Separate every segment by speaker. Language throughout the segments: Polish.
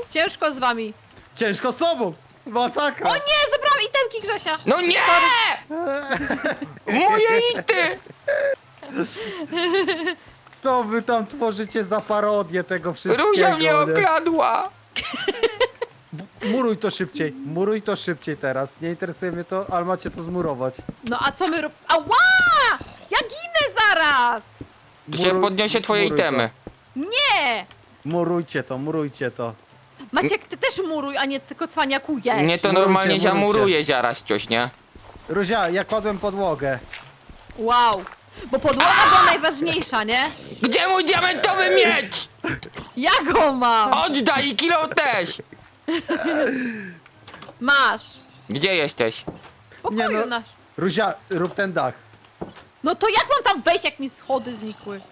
Speaker 1: Ciężko z wami.
Speaker 2: Ciężko z sobą! Masakra!
Speaker 1: O nie, zabrałam itemki Grzesia.
Speaker 3: No nie! Moje ity!
Speaker 2: Co wy tam tworzycie za parodię tego wszystkiego?
Speaker 3: Róża mnie
Speaker 2: nie?
Speaker 3: okradła!
Speaker 2: Muruj to szybciej teraz. Nie interesuje mnie to, ale macie to zmurować.
Speaker 1: No a co my Ała! Ja ginę zaraz!
Speaker 3: Tu się podniesie twoje
Speaker 2: muruj to.
Speaker 3: itemy.
Speaker 1: Nie!
Speaker 2: Murujcie to.
Speaker 1: Maciek, ty też muruj, a nie tylko cwaniakujesz.
Speaker 3: Nie, to
Speaker 2: Murujcie,
Speaker 3: normalnie
Speaker 2: murujcie.
Speaker 3: zamuruje zaraz coś, nie?
Speaker 2: Ruzia, ja kładłem podłogę.
Speaker 1: Wow. Bo podłoga była najważniejsza, nie?
Speaker 3: Gdzie mój diamentowy miecz?
Speaker 1: Ja go mam!
Speaker 3: Oddaj i kilo też!
Speaker 1: Masz.
Speaker 3: Gdzie jesteś?
Speaker 1: W pokoju
Speaker 2: Nie, no.
Speaker 1: nasz.
Speaker 2: Ruzia, rób ten dach.
Speaker 1: No to jak mam tam wejść, jak mi schody znikły?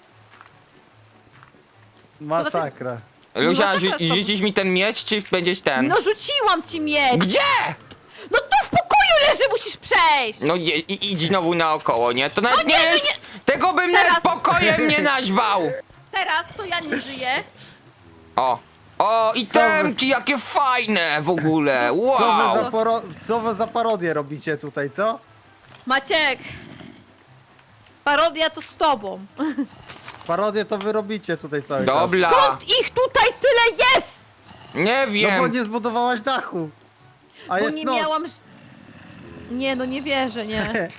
Speaker 2: Masakra.
Speaker 3: Luzia,
Speaker 1: masakra z tobą.
Speaker 3: rzucisz mi ten miecz, czy będziesz ten?
Speaker 1: No rzuciłam ci miecz!
Speaker 3: Gdzie?
Speaker 1: No tu w pokoju leży, musisz przejść!
Speaker 3: No idź znowu naokoło, nie? To nawet
Speaker 1: No nie,
Speaker 3: nie
Speaker 1: no
Speaker 3: jest...
Speaker 1: nie.
Speaker 3: Tego bym
Speaker 1: Teraz.
Speaker 3: nawet pokojem nie nazwał!
Speaker 1: Teraz to ja nie żyję.
Speaker 3: O, i temki, jakie fajne w ogóle! Wow!
Speaker 2: Co wy za parodię robicie tutaj, co?
Speaker 1: Maciek! Parodia to z tobą.
Speaker 2: Parodię to wy robicie tutaj cały czas.
Speaker 3: Dobra,
Speaker 1: Skąd ich tutaj tyle jest?
Speaker 3: nie
Speaker 2: No
Speaker 3: wiem.
Speaker 2: bo nie zbudowałaś dachu. A
Speaker 1: Bo
Speaker 2: jest
Speaker 1: nie
Speaker 2: noc.
Speaker 1: miałam... Nie, no nie wierzę, nie.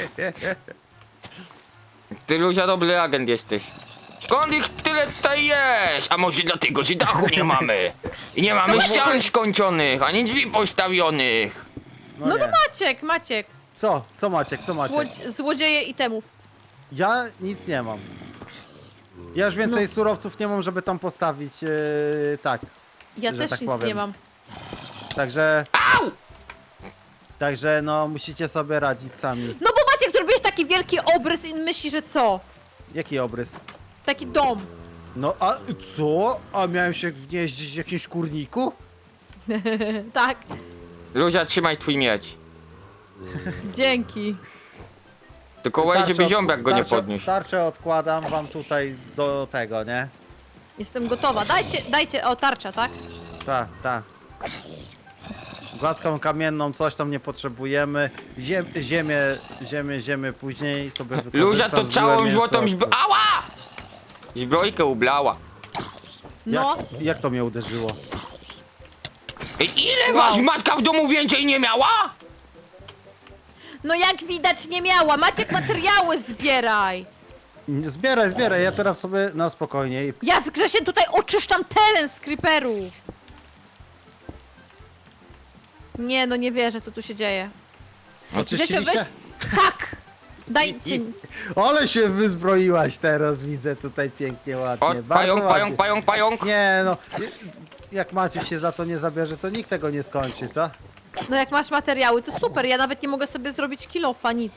Speaker 3: Ty, Luzia, dobry agent jesteś. Skąd ich tyle tutaj jest? A może dlatego, że dachu nie mamy? I nie mamy ścian skończonych, ani drzwi postawionych.
Speaker 1: No
Speaker 2: nie.
Speaker 1: to Maciek.
Speaker 2: Co? Co Maciek? Co Maciek?
Speaker 1: Złodzieje itemów.
Speaker 2: Ja nic nie mam. Ja już więcej surowców nie mam, żeby tam postawić tak.
Speaker 1: Ja
Speaker 2: Że
Speaker 1: też
Speaker 2: tak
Speaker 1: nic
Speaker 2: powiem.
Speaker 1: nie mam.
Speaker 2: Także...
Speaker 3: Au!
Speaker 2: Także no musicie sobie radzić sami.
Speaker 1: No bo Maciek zrobiłeś taki wielki obrys i myśli, że co?
Speaker 2: Jaki obrys?
Speaker 1: Taki dom.
Speaker 2: No a co? A miałem się gnieździć w jakimś kurniku?
Speaker 1: Tak.
Speaker 3: Luzia, trzymaj twój miecz.
Speaker 1: Dzięki.
Speaker 3: Tylko łaj, żeby ziombak go nie podniósł.
Speaker 2: Tarczę odkładam wam tutaj do tego, nie?
Speaker 1: Jestem gotowa. Dajcie, o tarcza, tak?
Speaker 2: Tak. Gładką kamienną coś tam nie potrzebujemy. Ziemię później sobie wykorzystam.
Speaker 3: Luzia to
Speaker 2: złe
Speaker 3: całą
Speaker 2: mięso.
Speaker 3: złotą Ała! Zbrojkę ublała.
Speaker 1: No.
Speaker 2: Jak to mnie uderzyło?
Speaker 3: Ile was matka w domu więcej nie miała?
Speaker 1: No jak widać nie miała. Maciek, materiały zbieraj.
Speaker 2: Zbieraj, ja teraz sobie na spokojnie.
Speaker 1: Ja z Grzesiem tutaj oczyszczam teren z creeperów. Nie, no nie wierzę, co tu się dzieje. Grzesio,
Speaker 2: Oczyściliście?
Speaker 1: weź... Tak! Dajcie...
Speaker 2: Ale się wyzbroiłaś teraz, widzę tutaj pięknie, ładnie.
Speaker 3: O,
Speaker 2: Bardzo ładnie.
Speaker 3: pająk.
Speaker 2: Nie no, jak Maciek się za to nie zabierze, to nikt tego nie skończy, co?
Speaker 1: No jak masz materiały, to super. Ja nawet nie mogę sobie zrobić kilofa, nic.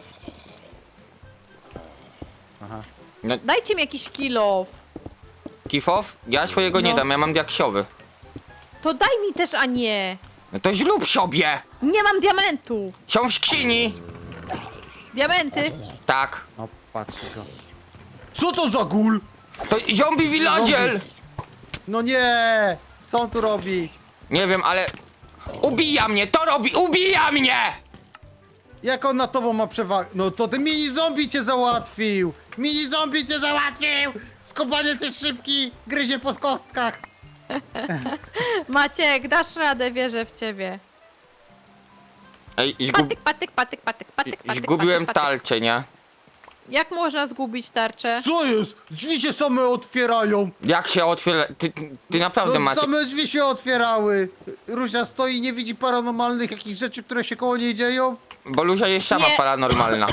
Speaker 2: Aha.
Speaker 1: Dajcie mi jakiś kilof.
Speaker 3: Kifow? Ja swojego nie
Speaker 1: No.
Speaker 3: dam, ja mam diaksiowy.
Speaker 1: To daj mi też, a nie.
Speaker 3: No to zrób sobie!
Speaker 1: Nie mam diamentów.
Speaker 3: Są w skrzyni!
Speaker 1: Diamenty.
Speaker 3: Tak.
Speaker 2: No, patrzcie go. Co to za gul?
Speaker 3: To zombie villager!
Speaker 2: No nie! Co on tu robi?
Speaker 3: Nie wiem, ale... Ubija mnie, to robi, ubija mnie!
Speaker 2: Jak on na tobą ma przewagę? No to ten mini zombie cię załatwił! Mini zombie cię załatwił! Skopaniec jest szybki, gryzie po kostkach.
Speaker 1: Maciek, dasz radę, wierzę w ciebie.
Speaker 3: Ej,
Speaker 1: Patyk.
Speaker 3: zgubiłem talczę, nie?
Speaker 1: Jak można zgubić tarczę?
Speaker 2: Co jest? Drzwi się same otwierają!
Speaker 3: Jak się otwiera... Ty naprawdę
Speaker 2: No,
Speaker 3: macie...
Speaker 2: same drzwi się otwierały! Ruzia stoi i nie widzi paranormalnych jakichś rzeczy, które się koło niej dzieją?
Speaker 3: Bo Luzia jest sama
Speaker 1: Nie.
Speaker 3: paranormalna.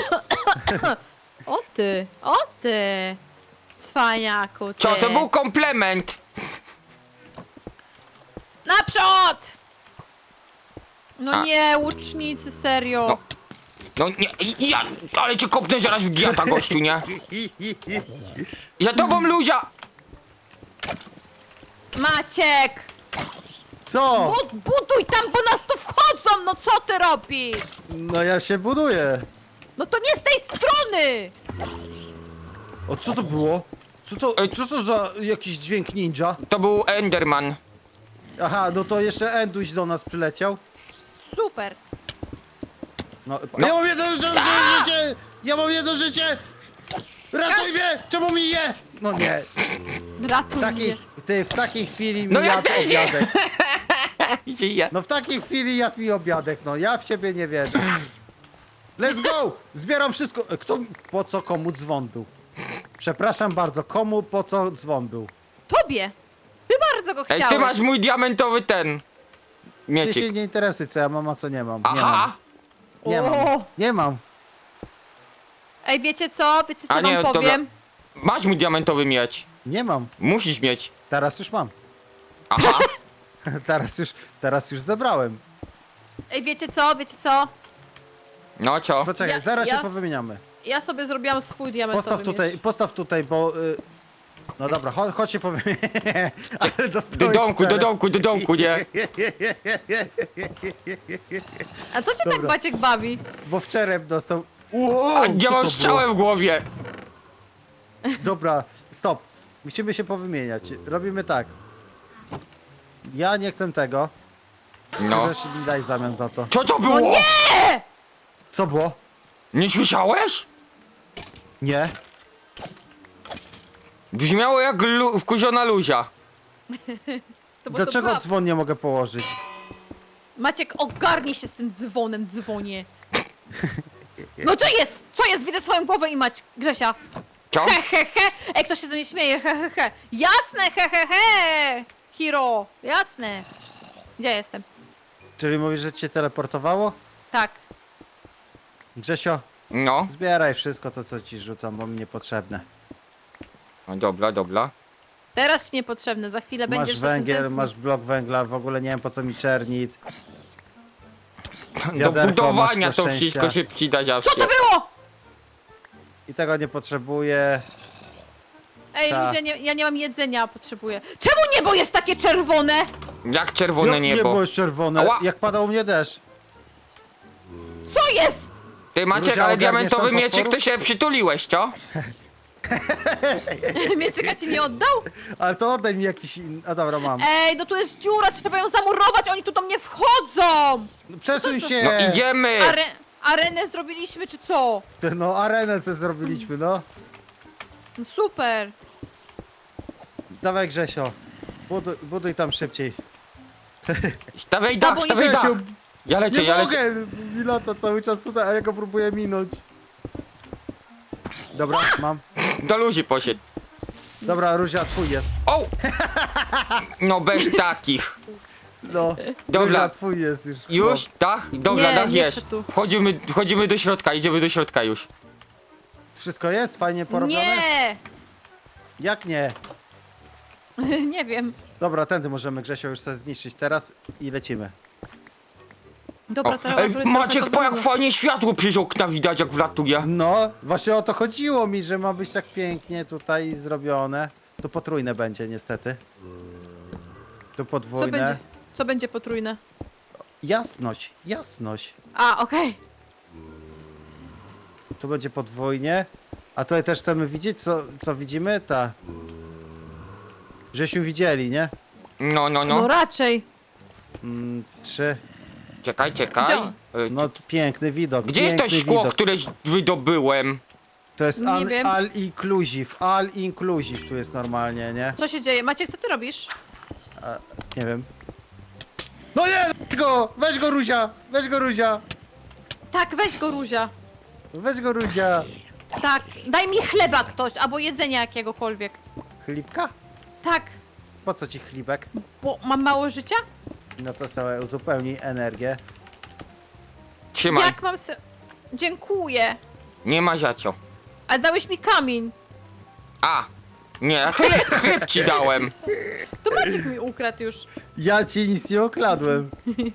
Speaker 1: O ty. Cwaniaku, ty.
Speaker 3: Co, to był komplement!
Speaker 1: Naprzód! No
Speaker 3: A.
Speaker 1: nie, łucznicy, serio.
Speaker 3: No. No nie, ja... Ale cię kopnę zaraz w giata, gościu, nie? Za tobą, Luzia!
Speaker 1: Maciek!
Speaker 2: Co?
Speaker 1: Buduj tam, bo nas tu wchodzą! No co ty robisz?
Speaker 2: No ja się buduję.
Speaker 1: No to nie z tej strony!
Speaker 2: O, co to było? Co to za jakiś dźwięk ninja?
Speaker 3: To był Enderman.
Speaker 2: Aha, no to jeszcze Enduś do nas przyleciał.
Speaker 1: Super.
Speaker 2: No,
Speaker 3: No.
Speaker 2: ja mam jedno życie! Ja mam jedno życie! Ratuj mnie! Czemu mi je? No nie.
Speaker 1: Ratuj mnie.
Speaker 2: W takiej chwili mi
Speaker 3: No ja
Speaker 2: jadł
Speaker 3: też nie.
Speaker 2: obiadek.
Speaker 3: Żyję.
Speaker 2: No w takiej chwili jadł mi obiadek, no ja w ciebie nie wierzę. Let's go! Zbieram wszystko. Kto, po co komu dzwon był? Przepraszam bardzo, komu po co dzwon był?
Speaker 1: Tobie. Ty bardzo go
Speaker 3: Ej,
Speaker 1: chciałeś.
Speaker 3: ty masz mój diamentowy ten...
Speaker 2: Ty
Speaker 3: Miecik.
Speaker 2: się nie interesuj, co ja mam, a co nie mam. Nie
Speaker 3: Aha!
Speaker 2: mam. Nie mam.
Speaker 1: O!
Speaker 2: Nie mam.
Speaker 1: Ej, wiecie co? Wiecie co
Speaker 3: A nie,
Speaker 1: wam
Speaker 3: dobra.
Speaker 1: powiem?
Speaker 3: Masz mój diamentowy miecz.
Speaker 2: Nie mam.
Speaker 3: Musisz mieć.
Speaker 2: Teraz już mam.
Speaker 3: Aha!
Speaker 2: Teraz już zebrałem.
Speaker 1: Ej, wiecie co? Wiecie co?
Speaker 3: No co?
Speaker 2: Poczekaj,
Speaker 1: Ja-
Speaker 2: zaraz
Speaker 1: ja-
Speaker 2: się powymieniamy.
Speaker 1: Ja sobie zrobiłam swój diamentowy
Speaker 2: Postaw tutaj, bo... No dobra, chodź się powymieniamy. Ale
Speaker 3: Do
Speaker 2: dostałeś
Speaker 3: domku, do
Speaker 2: czerep.
Speaker 3: domku, do domku, nie?
Speaker 1: A co cię tak
Speaker 2: Dobra.
Speaker 1: Maciek bawi?
Speaker 2: Bo w czerep dostał... Wow,
Speaker 3: A
Speaker 2: co
Speaker 3: ja mam
Speaker 2: to
Speaker 3: strzałę w głowie.
Speaker 2: było? Dobra, stop. Musimy się powymieniać. Robimy tak. Ja nie chcę tego.
Speaker 3: No.
Speaker 2: Też mi daj zamian za to.
Speaker 3: Co to było?
Speaker 1: No nie!
Speaker 2: Co było?
Speaker 3: Nie słyszałeś?
Speaker 2: Nie.
Speaker 3: Brzmiało jak wkurzona luzia.
Speaker 1: To bo to
Speaker 2: Dlaczego
Speaker 1: była...
Speaker 2: dzwon nie mogę położyć?
Speaker 1: Maciek, ogarnij się z tym dzwonem, dzwonie. No to jest! Co jest? Widzę swoją głowę i Mać, Grzesia.
Speaker 3: Co?
Speaker 1: He, he, he! Ej, ktoś się ze mnie śmieje, he, he, he! Jasne, he, he, he! Hiro, jasne. Gdzie jestem?
Speaker 2: Czyli mówisz, że cię teleportowało?
Speaker 1: Tak.
Speaker 2: Grzesio,
Speaker 3: No.
Speaker 2: zbieraj wszystko to, co ci rzucam, bo mi niepotrzebne.
Speaker 3: No dobra, dobra.
Speaker 1: Teraz ci niepotrzebne, za chwilę
Speaker 2: Masz
Speaker 1: będziesz
Speaker 2: węgiel,
Speaker 1: za tym
Speaker 2: masz blok węgla, w ogóle nie wiem po co mi czernit.
Speaker 3: Do
Speaker 2: Wiaderko
Speaker 3: budowania
Speaker 2: masz do
Speaker 3: to
Speaker 2: szczęścia.
Speaker 3: wszystko się przyda
Speaker 1: Co
Speaker 3: zawsze.
Speaker 1: to było?
Speaker 2: I tego nie potrzebuję.
Speaker 1: Ej,
Speaker 2: Ta.
Speaker 1: ludzie, ja nie mam jedzenia, potrzebuję. Czemu niebo jest takie czerwone?
Speaker 3: Jak czerwone
Speaker 2: Nie
Speaker 3: niebo.
Speaker 2: jest czerwone,
Speaker 3: Ała.
Speaker 2: jak padał u mnie deszcz.
Speaker 1: Co jest?
Speaker 3: Ty Maciek,
Speaker 2: Luzia,
Speaker 3: ale
Speaker 2: ogarniesz
Speaker 3: diamentowy
Speaker 2: tam
Speaker 3: mieczek to
Speaker 2: potworów?
Speaker 3: się przytuliłeś, co?
Speaker 1: Mieczyka ci nie oddał?
Speaker 2: Ale to oddaj mi jakiś A dobra, mam.
Speaker 1: Ej, no tu jest dziura, trzeba ją zamurować, oni tu do mnie wchodzą!
Speaker 2: Przesuń
Speaker 1: co-
Speaker 2: się!
Speaker 3: No idziemy!
Speaker 1: Arenę zrobiliśmy, czy co?
Speaker 2: No arenę sobie zrobiliśmy, no.
Speaker 1: No super.
Speaker 2: Dawaj Grzesio. Buduj tam szybciej.
Speaker 3: Stawiaj dach,
Speaker 1: bo
Speaker 3: stawiaj dach!
Speaker 2: Grzesiu,
Speaker 3: Ja lecę,
Speaker 2: nie
Speaker 3: ja lecę.
Speaker 2: mogę! Mi lata cały czas tutaj, a ja go próbuję minąć. Dobra, mam.
Speaker 3: Do ludzi poszedł.
Speaker 2: Dobra, Ruzia, twój jest.
Speaker 3: O! No bez takich.
Speaker 2: No,
Speaker 3: Dobra.
Speaker 2: Ruzia, twój jest już.
Speaker 3: Już? Dach? Dobra,
Speaker 1: Nie,
Speaker 3: dach
Speaker 1: nie
Speaker 3: jest.
Speaker 1: chcę tu.
Speaker 3: Wchodzimy do środka, idziemy do środka już.
Speaker 2: Wszystko jest? Fajnie porobione?
Speaker 1: Nie!
Speaker 2: Jak nie?
Speaker 1: Nie wiem.
Speaker 2: Dobra, tędy możemy Grzesio już sobie zniszczyć teraz i lecimy.
Speaker 1: Dobra,
Speaker 3: O,
Speaker 1: to
Speaker 3: ej, Maciek, po jak fajnie światło przez okna widać, jak wlatuje.
Speaker 2: No, właśnie o to chodziło mi, że ma być tak pięknie tutaj zrobione. To potrójne będzie niestety. Tu
Speaker 1: Co
Speaker 2: podwójne.
Speaker 1: będzie? Co będzie potrójne?
Speaker 2: Jasność, jasność.
Speaker 1: A, okej.
Speaker 2: Tu będzie podwójnie. A tutaj też chcemy widzieć, co widzimy? Żeśmy widzieli, nie?
Speaker 3: No, no,
Speaker 1: No
Speaker 3: no.
Speaker 1: raczej.
Speaker 2: 3.
Speaker 3: Czekaj, czekaj.
Speaker 1: Gdzie on?
Speaker 2: No, piękny widok.
Speaker 3: Gdzie jest to
Speaker 2: piękny
Speaker 3: szkło,
Speaker 2: widok.
Speaker 3: które wydobyłem?
Speaker 2: To jest
Speaker 1: Nie wiem.
Speaker 2: all inclusive. All inclusive tu jest normalnie, nie?
Speaker 1: Co się dzieje? Maciek, co ty robisz?
Speaker 2: A, nie wiem. No nie! Weź go! Weź go, Ruzia! Weź go, Ruzia!
Speaker 1: Tak, weź go, Ruzia.
Speaker 2: Weź go, Ruzia!
Speaker 1: Tak, daj mi chleba ktoś, albo jedzenia jakiegokolwiek.
Speaker 2: Chlipka?
Speaker 1: Tak,
Speaker 2: Po co ci chlibek?
Speaker 1: bo mam mało życia?
Speaker 2: No to sobie uzupełnij energię.
Speaker 3: Trzymaj.
Speaker 1: Jak mam se... Dziękuję.
Speaker 3: Nie ma za co.
Speaker 1: Ale dałeś mi kamień.
Speaker 3: A! Nie, chleb ci dałem.
Speaker 1: To Maciek mi ukradł już.
Speaker 2: Ja ci nic nie okradłem.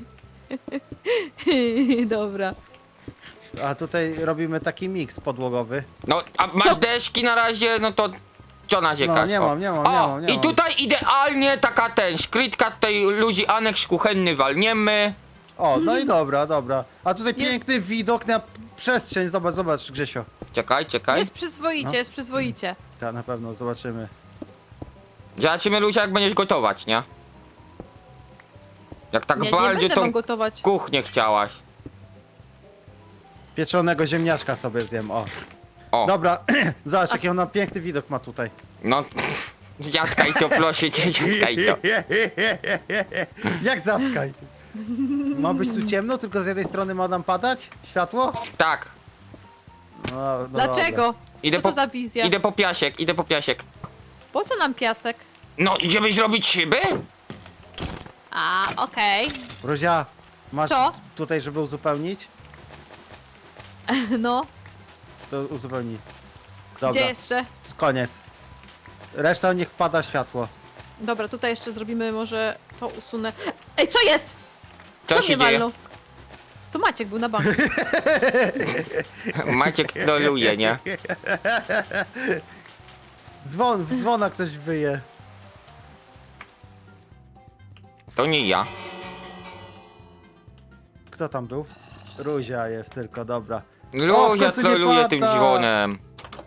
Speaker 1: Dobra.
Speaker 2: A tutaj robimy taki miks podłogowy.
Speaker 3: No, a masz deszki na razie, no to co narzekasz?
Speaker 2: No, nie
Speaker 3: o.
Speaker 2: mam, nie mam,
Speaker 3: O,
Speaker 2: nie mam, nie
Speaker 3: i
Speaker 2: mam.
Speaker 3: tutaj idealnie taka szkrytka tej ludzi aneks kuchenny walniemy.
Speaker 2: O, no i dobra, dobra. A tutaj
Speaker 1: Nie-
Speaker 2: piękny widok na przestrzeń. Zobacz, zobacz, Grzesio.
Speaker 3: Czekaj.
Speaker 1: Jest przyzwoicie,
Speaker 2: No.
Speaker 1: jest przyzwoicie.
Speaker 2: Tak, na pewno, zobaczymy.
Speaker 3: Zobaczymy, Luzia, jak będziesz gotować, nie? Jak tak
Speaker 1: Nie
Speaker 3: bardziej
Speaker 1: będę
Speaker 3: tą
Speaker 1: wam gotować.
Speaker 3: kuchnię chciałaś.
Speaker 2: Pieczonego ziemniaczka sobie zjem, o.
Speaker 3: O,
Speaker 2: Dobra, zobacz jaki ona piękny widok ma tutaj.
Speaker 3: no. Dziadkaj to, proszę cię, dziadkaj to.
Speaker 2: Jak zatkaj? Ma być tu ciemno, tylko z jednej strony ma nam padać światło?
Speaker 3: Tak,
Speaker 2: No
Speaker 1: Dlaczego?
Speaker 2: Dobra.
Speaker 3: Idę
Speaker 1: Co to
Speaker 3: po-
Speaker 1: za wizja?
Speaker 3: idę po piasek, idę po piasek.
Speaker 1: Po co nam piasek?
Speaker 3: No, żeby zrobić szyby?
Speaker 1: A, okej.
Speaker 2: Ruzia, masz
Speaker 1: Co?
Speaker 2: tutaj, żeby uzupełnić?
Speaker 1: No,
Speaker 2: To uzupełnij.
Speaker 1: gdzie
Speaker 2: Dobra,
Speaker 1: jeszcze?
Speaker 2: koniec. Reszta niech wpada światło.
Speaker 1: Dobra, tutaj jeszcze zrobimy, może to usunę. Ej, co jest?
Speaker 3: Co
Speaker 1: Kto
Speaker 3: się
Speaker 1: mnie
Speaker 3: dzieje?
Speaker 1: walnął? To Maciek był na banku.
Speaker 3: Maciek troluje, nie?
Speaker 2: Dzwona ktoś wyje.
Speaker 3: To nie ja.
Speaker 2: Kto tam był? Ruzia jest tylko, dobra. O, w
Speaker 3: Luzia
Speaker 2: końcu nie
Speaker 3: troluje tym
Speaker 2: pada.
Speaker 3: dzwonem.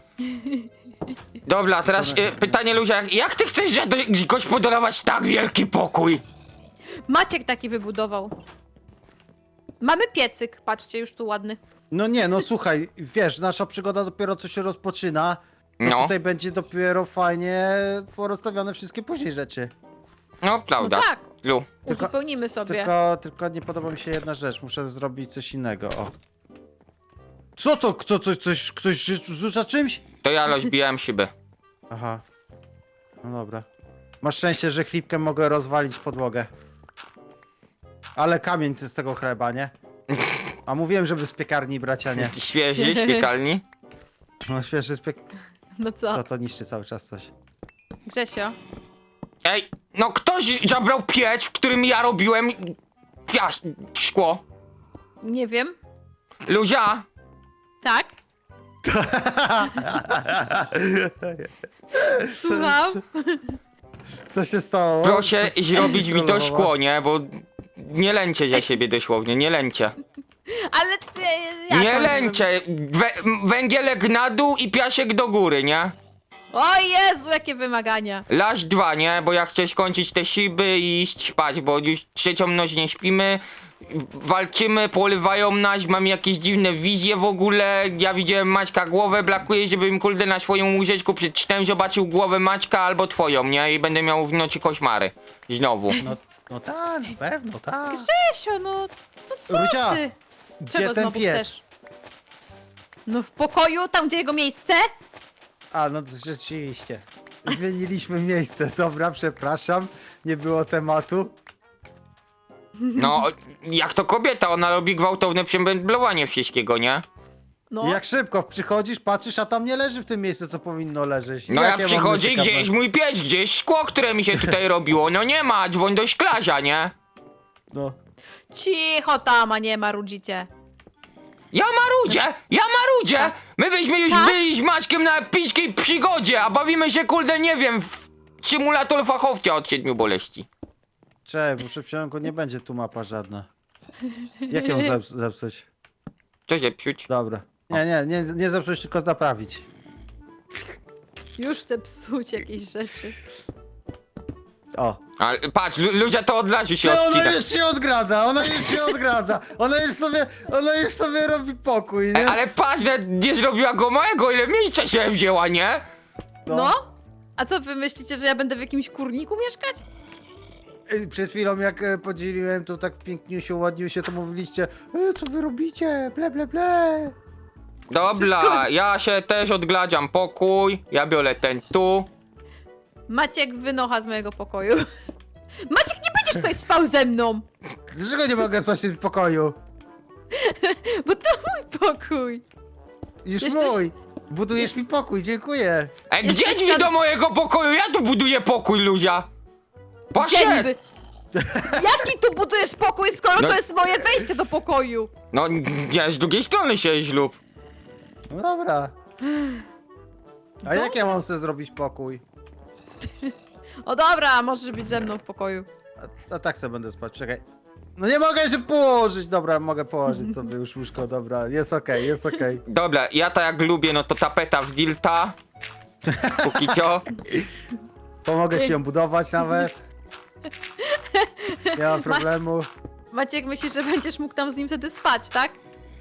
Speaker 3: Dobra, teraz pytanie Luzia, jak ty chcesz gospodarować tak wielki pokój?
Speaker 1: Maciek taki wybudował. Mamy piecyk, patrzcie, już tu ładny.
Speaker 2: No nie, no słuchaj, wiesz, nasza przygoda dopiero co się rozpoczyna. To
Speaker 3: No.
Speaker 2: tutaj będzie dopiero fajnie porozstawione wszystkie później rzeczy.
Speaker 3: No,
Speaker 1: No
Speaker 3: prawda.
Speaker 1: tak,
Speaker 3: Lu.
Speaker 2: Tylko-
Speaker 1: uzupełnimy sobie.
Speaker 2: Tylko nie podoba mi się jedna rzecz, muszę zrobić coś innego, o. Co to? Ktoś rzuca czymś?
Speaker 3: To ja rozbijałem szybę.
Speaker 2: Aha. No dobra. Masz szczęście, że chlipkiem mogę rozwalić podłogę. Ale kamień to z tego chleba, nie? A mówiłem, żeby z piekarni brać, a nie.
Speaker 3: Świeży z piekarni.
Speaker 2: No świeży z
Speaker 1: No co?
Speaker 2: To niszczy cały czas coś.
Speaker 1: Grzesio?
Speaker 3: Ej, no ktoś zabrał piec, w którym ja robiłem szkło.
Speaker 1: Nie wiem.
Speaker 3: Luzia,
Speaker 1: Tak? Słucham?
Speaker 2: Co się stało?
Speaker 3: proszę
Speaker 2: Co ci
Speaker 3: zrobić mi to
Speaker 2: strollowała?
Speaker 3: szkło, nie? Bo nie lęcie za siebie dosłownie, nie lęcie.
Speaker 1: Ale ty... jak
Speaker 3: Nie
Speaker 1: mam
Speaker 3: lęcie. Węgielek na dół i piasek do góry, nie?
Speaker 1: zrobić? O Jezu, jakie wymagania.
Speaker 3: Laś 2, nie? Bo ja chcę skończyć te szyby i iść spać, bo już trzecią noc nie śpimy. Walczymy, porywają nas, mam jakieś dziwne wizje w ogóle. Ja widziałem Maćka głowę, brakuje, żebym kurde na swoją łóżeczku przed snem zobaczył głowę Maćka albo twoją, nie? I będę miał w nocy koszmary. Znowu.
Speaker 2: No tak, na pewno, tak.
Speaker 1: Grzesio, no co
Speaker 2: Ruzia,
Speaker 1: ty?
Speaker 2: Gdzie
Speaker 1: Czego
Speaker 2: ten
Speaker 1: znowu
Speaker 2: piec?
Speaker 1: chcesz? No w pokoju, tam gdzie jego miejsce?
Speaker 2: A, no to rzeczywiście. Zmieniliśmy miejsce, dobra, przepraszam. Nie było tematu.
Speaker 3: No, jak to kobieta, ona robi gwałtowne przemeblowanie wszystkiego, nie?
Speaker 1: No.
Speaker 2: I jak szybko przychodzisz, patrzysz, a tam nie leży w tym miejscu, co powinno leżeć.
Speaker 3: No
Speaker 2: Jakie
Speaker 3: jak
Speaker 2: mamy
Speaker 3: przychodzi
Speaker 2: ciekawe-
Speaker 3: gdzieś mój pies, gdzieś szkło, które mi się tutaj robiło, no nie ma, dzwoń do szklarza, nie?
Speaker 2: No.
Speaker 1: Cicho tam, a nie marudzicie.
Speaker 3: Ja marudzie! My byśmy już
Speaker 1: Tak?
Speaker 3: byli z Maćkiem na epickiej przygodzie, a bawimy się kurde, nie wiem, w symulator fachowca od 7 boleści.
Speaker 2: Cześć, bo w przeciągu nie będzie tu mapa żadna. Jak ją zepsuć?
Speaker 3: Co się psiuć?
Speaker 2: Dobra. Nie zepsuć, tylko naprawić.
Speaker 1: Już chcę psuć jakieś rzeczy.
Speaker 2: O.
Speaker 3: Ale patrz, ludzie to od razu się
Speaker 2: Ty, ona
Speaker 3: odcina.
Speaker 2: już się odgradza, ona już sobie robi pokój, nie?
Speaker 3: Ale patrz, że nie zrobiła go mojego, ile miejsca się wzięła, nie?
Speaker 1: No? A co wy myślicie, że ja będę w jakimś kurniku mieszkać?
Speaker 2: Przed chwilą jak podzieliłem to tak piękniusio, ładniusio, to mówiliście co wy robicie, ble ble ble.
Speaker 3: Dobra, ja się też odgladziam pokój, ja biorę ten tu.
Speaker 1: Maciek wynocha z mojego pokoju. Maciek, nie będziesz tutaj spał ze mną!
Speaker 2: Dlaczego nie mogę spać w tym pokoju?
Speaker 1: Bo to mój pokój.
Speaker 2: Już
Speaker 1: Jeszcze-
Speaker 2: mój. Budujesz mi pokój, dziękuję.
Speaker 3: Gdzie
Speaker 1: Jeszcze
Speaker 3: drzwi
Speaker 1: ślad-
Speaker 3: do mojego pokoju? Ja tu buduję pokój, Luzia.
Speaker 1: Gdzie
Speaker 3: Poszedł!
Speaker 1: niby? Jaki tu budujesz pokój, skoro
Speaker 3: No-
Speaker 1: to jest moje wejście do pokoju?
Speaker 3: No, nie, z drugiej strony się ślub.
Speaker 2: No dobra. A jak ja mam sobie zrobić pokój?
Speaker 1: O dobra, możesz być ze mną w pokoju.
Speaker 2: A tak sobie będę spać, czekaj. No nie mogę się położyć, dobra, mogę położyć sobie już łóżko, dobra, jest okej, jest okej.
Speaker 3: Dobra, ja tak jak lubię, no to tapeta w dilta. Póki co.
Speaker 2: Pomogę ci ją budować nawet. Nie ma problemu.
Speaker 1: Maciek, myślisz, że będziesz mógł tam z nim wtedy spać, tak?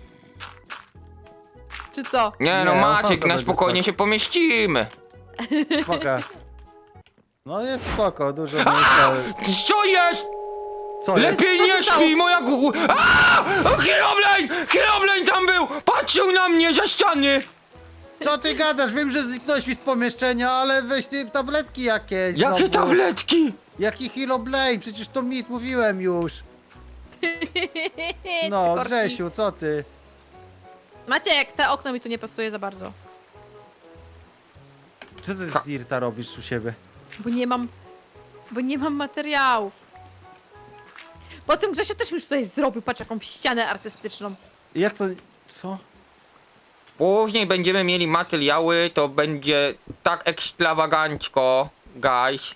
Speaker 1: Czy co?
Speaker 3: Nie no,
Speaker 2: Nie, on sam
Speaker 3: Maciek,
Speaker 2: sobie
Speaker 3: na spokojnie
Speaker 2: spać.
Speaker 3: się pomieścimy.
Speaker 2: Spoko. No jest spoko, dużo miejsca.
Speaker 3: Co jest?
Speaker 2: Co jest?
Speaker 3: Lepiej
Speaker 1: Co się
Speaker 3: nie
Speaker 1: stało?
Speaker 3: śpi, moja Herobrine! Herobrine tam był! Patrzył na mnie za ściany!
Speaker 2: Co ty gadasz? Wiem, że zniknąłeś mi z pomieszczenia, ale weź ty tabletki jakieś.
Speaker 3: Jakie
Speaker 2: znowu.
Speaker 3: tabletki?
Speaker 2: Jaki Heroblade? Przecież to mit, mówiłem już. No,
Speaker 1: Cykorki.
Speaker 2: Grzesiu, co ty?
Speaker 1: Maciek, te okno mi tu nie pasuje za bardzo.
Speaker 2: Co ty z Dirta robisz u siebie?
Speaker 1: Bo nie mam materiałów. Po tym Grzesiu też mi już tutaj zrobił, patrz jaką ścianę artystyczną.
Speaker 2: Jak to... Co?
Speaker 3: Później będziemy mieli materiały, to będzie tak ekstrawagancko, guys.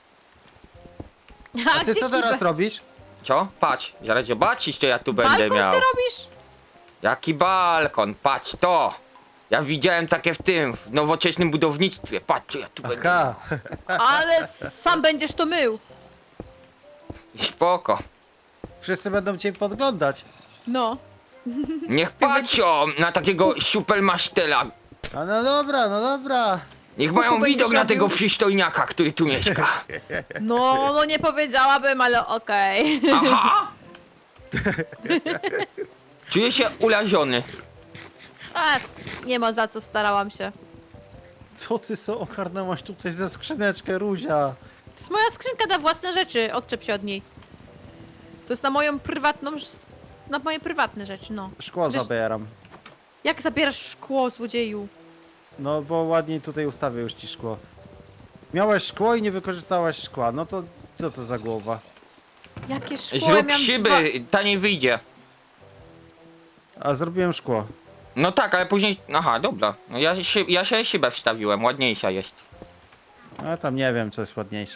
Speaker 2: A ty co teraz robisz?
Speaker 3: Co? Patrz, zaraz zobaczysz, co ja tu będę
Speaker 1: Balkon
Speaker 3: miał.
Speaker 1: se robisz?
Speaker 3: Jaki balkon, patrz to! Ja widziałem takie w nowoczesnym budownictwie, patrz co ja tu będę miał.
Speaker 2: Aha.
Speaker 1: Ale sam będziesz to mył.
Speaker 3: Spoko.
Speaker 2: Wszyscy będą cię podglądać.
Speaker 1: No.
Speaker 3: Niech patrzą na takiego supermastera.
Speaker 2: A no dobra, no dobra.
Speaker 3: Niech
Speaker 1: Kuku
Speaker 3: mają
Speaker 1: będziesz
Speaker 3: widok na
Speaker 1: robił?
Speaker 3: tego przystojniaka, który tu mieszka.
Speaker 1: No nie powiedziałabym, ale okej.
Speaker 3: Aha! Czuję się urażony.
Speaker 1: A, nie ma za co, starałam się.
Speaker 2: Co ty so ogarnęłaś tutaj za skrzyneczkę, Ruzia?
Speaker 1: To jest moja skrzynka na własne rzeczy, odczep się od niej. To jest na moją prywatną... Na moje prywatne rzeczy, no.
Speaker 2: Szkło
Speaker 1: Wiesz-
Speaker 2: zabieram.
Speaker 1: Jak zabierasz szkło, złodzieju?
Speaker 2: No bo ładniej tutaj ustawię już ci szkło. Miałeś szkło i nie wykorzystałaś szkła, no to co to za głowa?
Speaker 1: Jakie szkło? Ja
Speaker 3: Zrób
Speaker 1: miałam
Speaker 3: szyby, taniej wyjdzie.
Speaker 2: A zrobiłem szkło.
Speaker 3: No tak, ale później... Aha, dobra. No ja się szybę wstawiłem, ładniejsza jest.
Speaker 2: A tam nie wiem, co jest ładniejsze.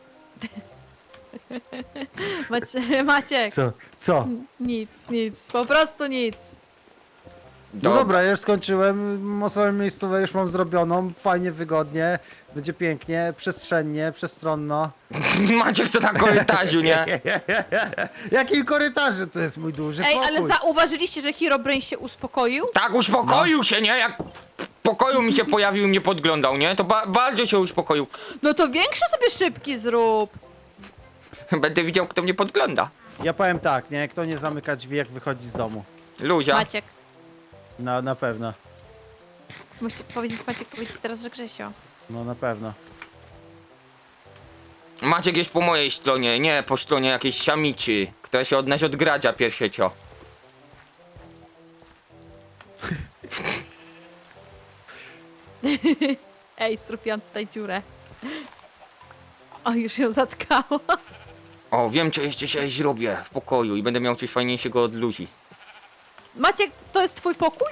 Speaker 1: Maciek,
Speaker 2: Co? Co?
Speaker 1: nic, po prostu nic.
Speaker 2: No dobra, ja już skończyłem. Swoją miejscówę już mam zrobioną. Fajnie, wygodnie. Będzie pięknie, przestrzennie, przestronno.
Speaker 3: Maciek to na korytarzu, nie?
Speaker 2: Jakim korytarzu to jest mój duży
Speaker 1: Ej,
Speaker 2: pokój?
Speaker 1: ale zauważyliście, że Herobrine się uspokoił?
Speaker 3: Tak, uspokoił się, nie? Jak w pokoju mi się pojawił i mnie podglądał, nie? To bardzo się uspokoił.
Speaker 1: No to większe sobie szybki zrób.
Speaker 3: Będę widział, kto mnie podgląda.
Speaker 2: Ja powiem tak, nie? Kto nie zamyka drzwi, jak wychodzi z domu.
Speaker 3: Luzia.
Speaker 1: Maciek.
Speaker 2: Na pewno.
Speaker 1: Musisz powiedzieć teraz, że Grzesio.
Speaker 2: No na pewno.
Speaker 3: Maciek jest po mojej stronie, nie po stronie jakiejś samicy, która się od nas odgradza pierwszecio.
Speaker 1: Ej, strupiłam tutaj dziurę. O, już ją zatkało.
Speaker 3: O, wiem, co jeszcze się zrobię w pokoju i będę miał coś fajniejszego od Luzi.
Speaker 1: Maciek, to jest twój pokój?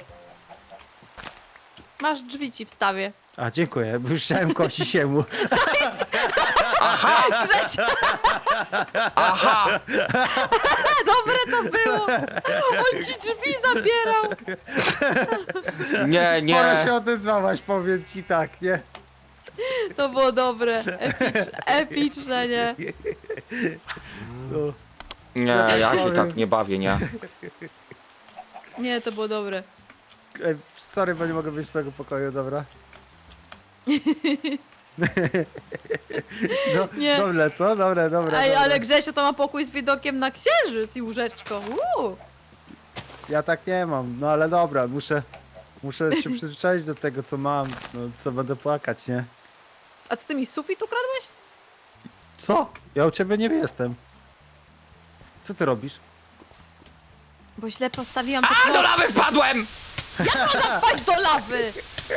Speaker 1: Masz drzwi ci wstawię.
Speaker 2: A dziękuję, bo już chciałem kosi siemu.
Speaker 3: Aha!
Speaker 1: Grzesio,
Speaker 3: Aha!
Speaker 1: dobre to było. On ci drzwi zabierał.
Speaker 3: Nie,
Speaker 2: Pora
Speaker 3: nie.
Speaker 2: się odezwałaś, powiem ci tak, nie?
Speaker 1: To było dobre. Epiczne, nie?
Speaker 2: No.
Speaker 3: Nie, ja się tak nie bawię, nie.
Speaker 1: Nie, to było dobre.
Speaker 2: Ej, sorry, bo nie mogę być w twojego pokoju, dobra? No,
Speaker 1: Nie.
Speaker 2: dobre, co? Dobre.
Speaker 1: Ej,
Speaker 2: dobre.
Speaker 1: ale Grzesio to ma pokój z widokiem na księżyc i łóżeczko.
Speaker 2: Ja tak nie mam, no ale dobra, muszę się przyzwyczaić do tego, co mam, no co będę płakać, nie?
Speaker 1: A co ty mi sufit ukradłeś?
Speaker 2: Co? Ja u ciebie nie jestem. Co ty robisz?
Speaker 1: Bo źle postawiłam
Speaker 3: A, do lawy wpadłem!
Speaker 1: Jak można wpaść do lawy?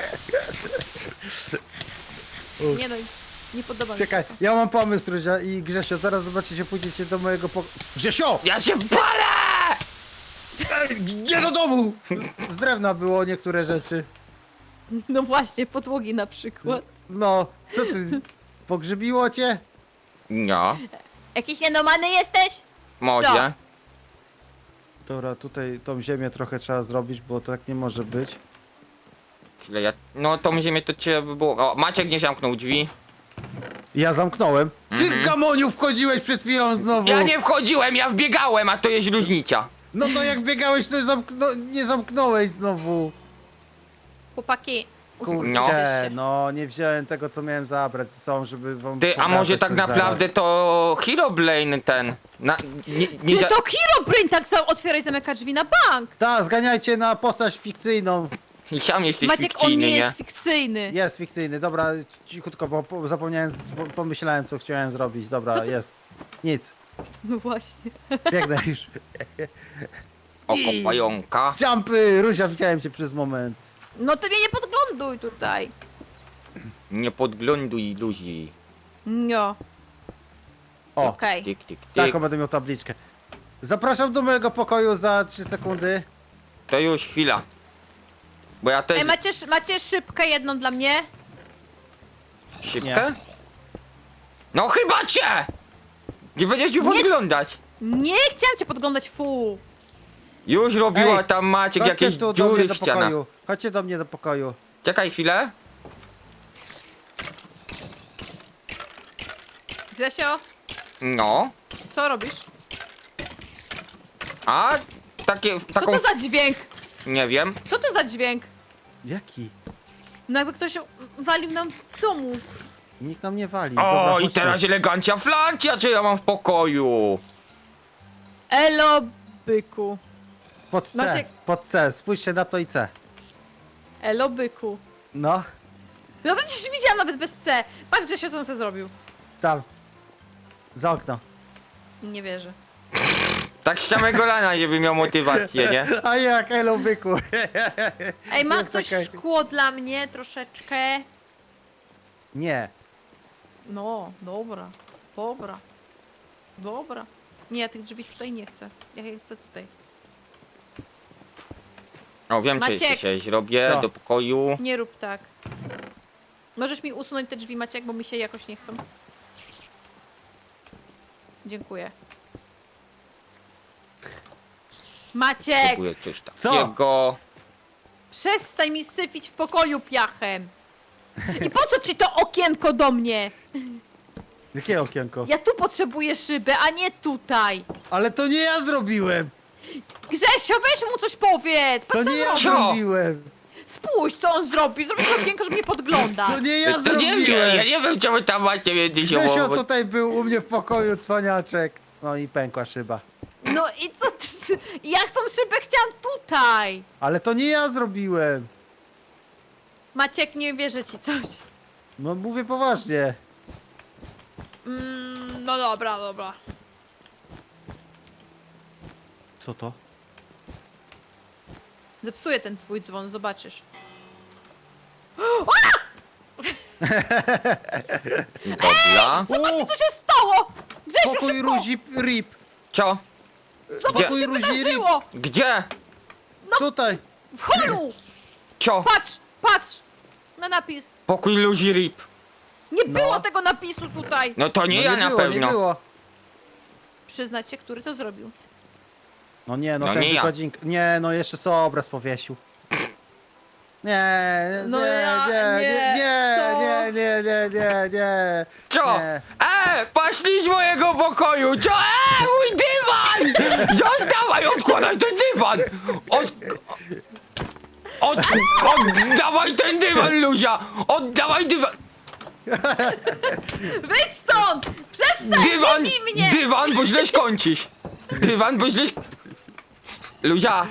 Speaker 1: Nie no, nie podoba mi się
Speaker 2: Czekaj,
Speaker 1: to.
Speaker 2: ja mam pomysł, Ruzia i Grzesio, zaraz zobaczycie, pójdziecie do mojego pokoju. Grzesio!
Speaker 3: Ja się palę!
Speaker 2: Ej, nie do domu! Z drewna było niektóre rzeczy.
Speaker 1: No właśnie, podłogi na przykład.
Speaker 2: No, co ty? Pogrzybiło cię?
Speaker 3: No,
Speaker 1: Jakiś nienormalny jesteś?
Speaker 3: może.
Speaker 2: Dobra, tutaj tą ziemię trochę trzeba zrobić, bo tak nie może być.
Speaker 3: Chwilę, no tą ziemię to cię by było... O, Maciek nie zamknął drzwi.
Speaker 2: Ja zamknąłem. Ty, Gamoniu, wchodziłeś przed chwilą znowu.
Speaker 3: Ja nie wchodziłem, ja wbiegałem, a to jest różnica.
Speaker 2: No to jak biegałeś, to nie zamknąłeś znowu.
Speaker 1: Chłopaki, uspokójcie
Speaker 3: No.
Speaker 2: Kurczę,
Speaker 1: się.
Speaker 2: no nie wziąłem tego, co miałem zabrać ze sobą, żeby wam
Speaker 3: Ty, a
Speaker 2: pokazać
Speaker 3: może tak
Speaker 2: coś
Speaker 3: naprawdę
Speaker 2: zaraz.
Speaker 3: to Herobrine ten...
Speaker 1: Ty to Herobrine tak sam otwiera i zamyka drzwi na bank!
Speaker 2: Ta, zganiajcie na postać fikcyjną.
Speaker 3: I sam jesteś
Speaker 1: Maciek, on
Speaker 3: fikcyjny,
Speaker 1: nie
Speaker 3: nie?
Speaker 1: jest fikcyjny.
Speaker 2: Jest fikcyjny, dobra, cichutko, bo zapomniałem, pomyślałem, co chciałem zrobić. Dobra,
Speaker 1: Co ty-
Speaker 2: jest. Nic,
Speaker 1: No właśnie.
Speaker 2: biegnę już.
Speaker 3: Oko pająka.
Speaker 2: Jumpy! Ruzia, widziałem cię przez moment.
Speaker 1: No ty mnie nie podgląduj tutaj.
Speaker 3: Nie podgląduj ludzi.
Speaker 1: No,
Speaker 2: O,
Speaker 1: okej.
Speaker 3: Tyk, tyk, tyk.
Speaker 2: taką będę miał tabliczkę. Zapraszam do mojego pokoju za 3 sekundy.
Speaker 3: To już chwila. Bo ja też...
Speaker 1: Ej, macie szybkę jedną dla mnie?
Speaker 3: Szybkę? No chyba cię! Nie będziesz mi podglądać.
Speaker 1: Nie chciałam cię podglądać, fu.
Speaker 3: Już robiła
Speaker 2: Ej,
Speaker 3: tam Maciek
Speaker 2: Chodźcie
Speaker 3: jakieś
Speaker 2: tu do mnie
Speaker 3: dziury
Speaker 2: do
Speaker 3: w ścianach.
Speaker 2: pokoju. Chodźcie do mnie do pokoju.
Speaker 3: Czekaj chwilę.
Speaker 1: Grzesio,
Speaker 3: No.
Speaker 1: co robisz?
Speaker 3: A takie...
Speaker 1: Co
Speaker 3: taką...
Speaker 1: to za dźwięk?
Speaker 3: Nie wiem.
Speaker 1: Co to za dźwięk?
Speaker 2: Jaki?
Speaker 1: No jakby ktoś walił nam w domu.
Speaker 2: Nikt nam nie wali.
Speaker 3: O,
Speaker 2: Dobra,
Speaker 3: i
Speaker 2: chodźcie.
Speaker 3: teraz elegancia flancia, czy ja mam w pokoju?
Speaker 1: Elo, byku.
Speaker 2: Pod C,
Speaker 1: Maciek-
Speaker 2: pod C. Spójrzcie na to i C.
Speaker 1: Elo, byku.
Speaker 2: No,
Speaker 1: No przecież widziałam nawet bez C. Patrz, Grzesio, co on sobie zrobił.
Speaker 2: tam. Za okno.
Speaker 1: Nie wierzę.
Speaker 3: Tak z samego rana, żeby miał motywację, nie?
Speaker 2: A jak, elo byku.
Speaker 1: Ej, ma
Speaker 2: Jest
Speaker 1: ktoś
Speaker 2: okej.
Speaker 1: szkło dla mnie troszeczkę?
Speaker 2: Nie.
Speaker 1: No, dobra. Dobra. Dobra. Nie, ja tych drzwi tutaj nie chcę. Ja je chcę tutaj.
Speaker 3: O, wiem, co
Speaker 1: Maciek.
Speaker 3: jeszcze zrobię
Speaker 2: Co?
Speaker 3: do pokoju.
Speaker 1: Nie rób tak. Możesz mi usunąć te drzwi, Maciek, bo mi się jakoś nie chcą. Dziękuję. Maciek!
Speaker 3: Próbuję coś
Speaker 2: Co?
Speaker 3: takiego.
Speaker 1: Przestań mi syfić w pokoju piachem! I po co ci to okienko do mnie?
Speaker 2: Jakie okienko?
Speaker 1: Ja tu potrzebuję szyby, a nie tutaj!
Speaker 2: Ale to nie ja zrobiłem!
Speaker 1: Grzesio, weź mu coś powiedz!
Speaker 2: To
Speaker 1: Patrz, co
Speaker 2: nie
Speaker 1: on
Speaker 2: ja
Speaker 1: robi.
Speaker 3: Co?
Speaker 2: zrobiłem!
Speaker 1: Spójrz, co on zrobi! Zrobi to okienko, żeby mnie podgląda!
Speaker 2: To nie ja
Speaker 3: To nie wiem,
Speaker 2: zrobiłem!
Speaker 3: ja nie wiem, czemu tam macie między
Speaker 2: Grzesio
Speaker 3: sobą.
Speaker 2: tutaj był u mnie w pokoju, cwaniaczek. No i pękła szyba.
Speaker 1: No i co ty... Jak tą szybę chciałam tutaj!
Speaker 2: Ale to nie ja zrobiłem!
Speaker 1: Maciek, nie wierzę ci coś.
Speaker 2: No mówię poważnie.
Speaker 1: No dobra, dobra.
Speaker 2: Co to?
Speaker 1: Zepsuję ten twój dzwon, zobaczysz.
Speaker 3: Dobra.
Speaker 1: Zobaczcie, co się stało! Grzesiu,
Speaker 2: Pokój
Speaker 1: szybko!
Speaker 2: Ruzi Rip!
Speaker 3: Co?
Speaker 1: Zobacz, co
Speaker 2: Pokój
Speaker 1: się
Speaker 2: Ruzi Rip!
Speaker 1: wydarzyło!
Speaker 3: Gdzie?
Speaker 2: Tutaj!
Speaker 1: W holu!
Speaker 3: Co?
Speaker 1: Patrz, patrz! Na napis.
Speaker 3: Pokój ludzi RIP.
Speaker 1: Nie
Speaker 2: No.
Speaker 1: było tego napisu tutaj!
Speaker 3: No to nie
Speaker 2: No
Speaker 3: ja na
Speaker 2: było,
Speaker 3: pewno.
Speaker 2: Nie było.
Speaker 1: Przyznać się, który to zrobił.
Speaker 2: No nie, no,
Speaker 3: No
Speaker 2: ten
Speaker 3: nie ja.
Speaker 2: wykładzinka. Nie, no jeszcze sobie obraz powiesił. Nie,
Speaker 1: No
Speaker 2: nie,
Speaker 1: ja-
Speaker 2: nie,
Speaker 1: nie,
Speaker 2: nie,
Speaker 1: co?
Speaker 2: nie, nie, nie, nie, nie.
Speaker 3: Co?
Speaker 2: Nie.
Speaker 3: Poszli z mojego pokoju! Co? Mój dywan! Zostawaj, odkładaj ten dywan! Oddawaj ten dywan, Luzia! Oddawaj dywan!
Speaker 1: Wyjdź stąd! Przestań!
Speaker 3: Dywan!
Speaker 1: Nie bij mnie!
Speaker 3: Dywan, bo źle skończysz! Dywan, bo źle... Luzia!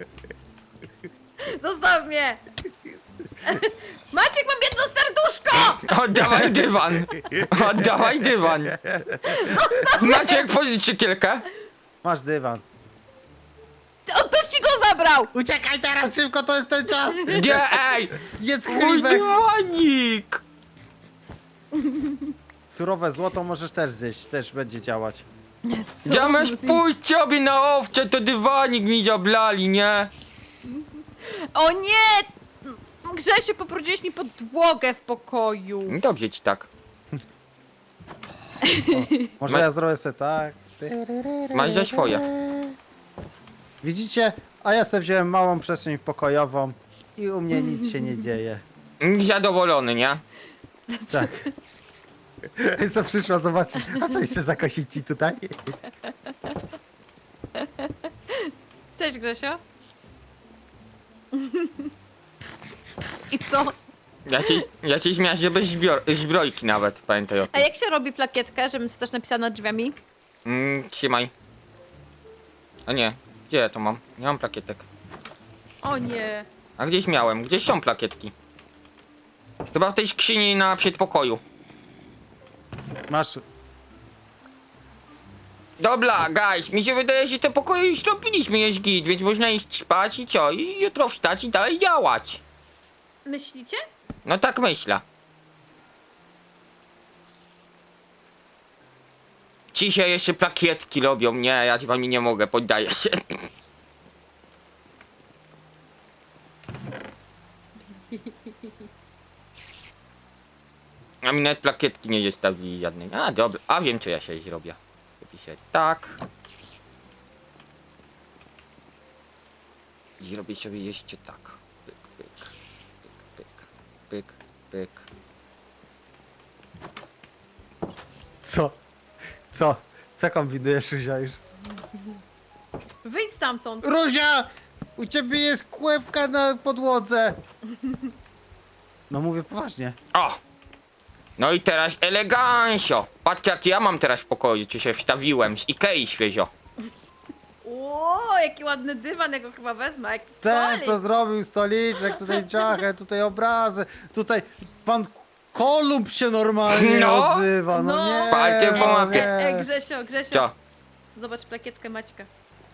Speaker 1: Zostaw mnie! Maciek, mam jedno serduszko!
Speaker 3: Oddawaj dywan! Oddawaj dywan! Maciek, pożycz szykierkę.
Speaker 2: Masz dywan.
Speaker 1: On też ci go zabrał!
Speaker 2: Uciekaj teraz szybko, to jest ten czas!
Speaker 3: Gdzie? Ej!
Speaker 2: Jedz
Speaker 3: Mój
Speaker 2: chlibek!
Speaker 3: dywanik!
Speaker 2: Surowe złoto możesz też zjeść, też będzie działać.
Speaker 3: Zamiast pójść sobie na owcze, to dywanik mi zablali, nie?
Speaker 1: O nie! Grzesiu, poprudziłeś mi podłogę w pokoju.
Speaker 3: Dobrze ci tak.
Speaker 2: Może
Speaker 3: Ma-
Speaker 2: ja zrobię sobie tak.
Speaker 3: Masz za swoje.
Speaker 2: Widzicie? A ja sobie wziąłem małą przestrzeń pokojową i u mnie nic się nie dzieje.
Speaker 3: Zadowolony, nie?
Speaker 2: Tak. Co przyszła zobaczyć? A co jeszcze zakosić ci tutaj?
Speaker 1: Cześć Grzesio. I co?
Speaker 3: Ja cię zmiażdżę bez zbrojki nawet, pamiętaj o
Speaker 1: A
Speaker 3: tym.
Speaker 1: jak się robi plakietkę, żebym sobie też napisała nad drzwiami?
Speaker 3: Trzymaj. A nie, gdzie ja to mam? Nie mam plakietek.
Speaker 1: O nie.
Speaker 3: A gdzieś miałem, gdzieś są plakietki. Chyba w tej skrzyni na przedpokoju.
Speaker 2: Masz.
Speaker 3: Dobra, guys, mi się wydaje, że te pokoje już zrobiliśmy, jest git, więc można iść spać i co? I jutro wstać i dalej działać.
Speaker 1: Myślicie?
Speaker 3: No tak myślę. Ci się jeszcze plakietki robią. Nie, ja z wami nie mogę, poddaję się. A mi nawet plakietki nie zostawili żadnej. A dobra, a wiem co ja się zrobię. Zrobię tak. I zrobię sobie jeszcze tak. Pyk, pyk, pyk, pyk, pyk, pyk.
Speaker 2: Co? Co? Co kombinujesz, Ruzia już?
Speaker 1: Wyjdź stamtąd.
Speaker 2: Ruzia! U ciebie jest kłewka na podłodze! No mówię poważnie.
Speaker 3: O! No i teraz elegancio. Patrzcie jak ja mam teraz w pokoju, czy się wstawiłem z Ikei świeżo.
Speaker 1: Ło, jaki ładny dywan, ja go chyba wezmę. Jak
Speaker 2: Ten,
Speaker 1: stolik.
Speaker 2: co zrobił stoliczek, tutaj dżachę, tutaj obrazy, tutaj pan Kolumb się normalnie
Speaker 3: No.
Speaker 2: odzywa, no,
Speaker 1: No.
Speaker 2: nie.
Speaker 3: Palcie po
Speaker 2: no
Speaker 3: mapie.
Speaker 2: nie.
Speaker 1: Grzesio.
Speaker 3: Co?
Speaker 1: Zobacz plakietkę Maćka.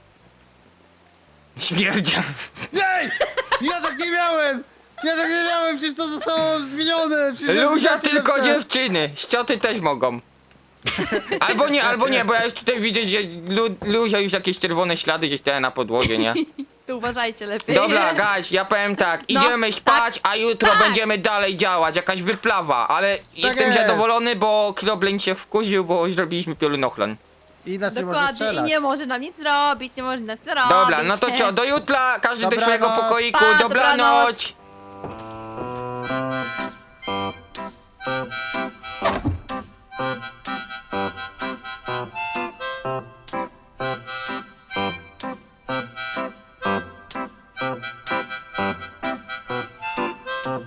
Speaker 3: Śmierdzia.
Speaker 2: Ej! Ja tak nie miałem! Ja tak nie miałem, przecież to zostało zmienione! Przecież ja
Speaker 3: Luzia
Speaker 2: zdjęcie
Speaker 3: tylko
Speaker 2: napisałem.
Speaker 3: dziewczyny. Ścioty też mogą. Albo nie, bo ja już tutaj widzę, że Luzia już jakieś czerwone ślady gdzieś tutaj na podłogie, nie?
Speaker 1: Tu uważajcie lepiej.
Speaker 3: Dobra, guys, ja powiem tak,
Speaker 1: No,
Speaker 3: idziemy spać, a jutro
Speaker 1: tak.
Speaker 3: będziemy dalej działać, jakaś wyplawa, ale jestem
Speaker 2: jest.
Speaker 3: zadowolony, bo Krobleń się wkurzył, bo zrobiliśmy piorunochlan.
Speaker 2: I nas nie może
Speaker 1: Dokładnie. I
Speaker 2: strzelać.
Speaker 1: nie może nam nic zrobić, nie może nam nic zrobić.
Speaker 3: Dobra, no to co, do jutra, każdy do
Speaker 2: Dobranoc.
Speaker 3: swojego pokoiku,
Speaker 1: Pa,
Speaker 3: dobranoc.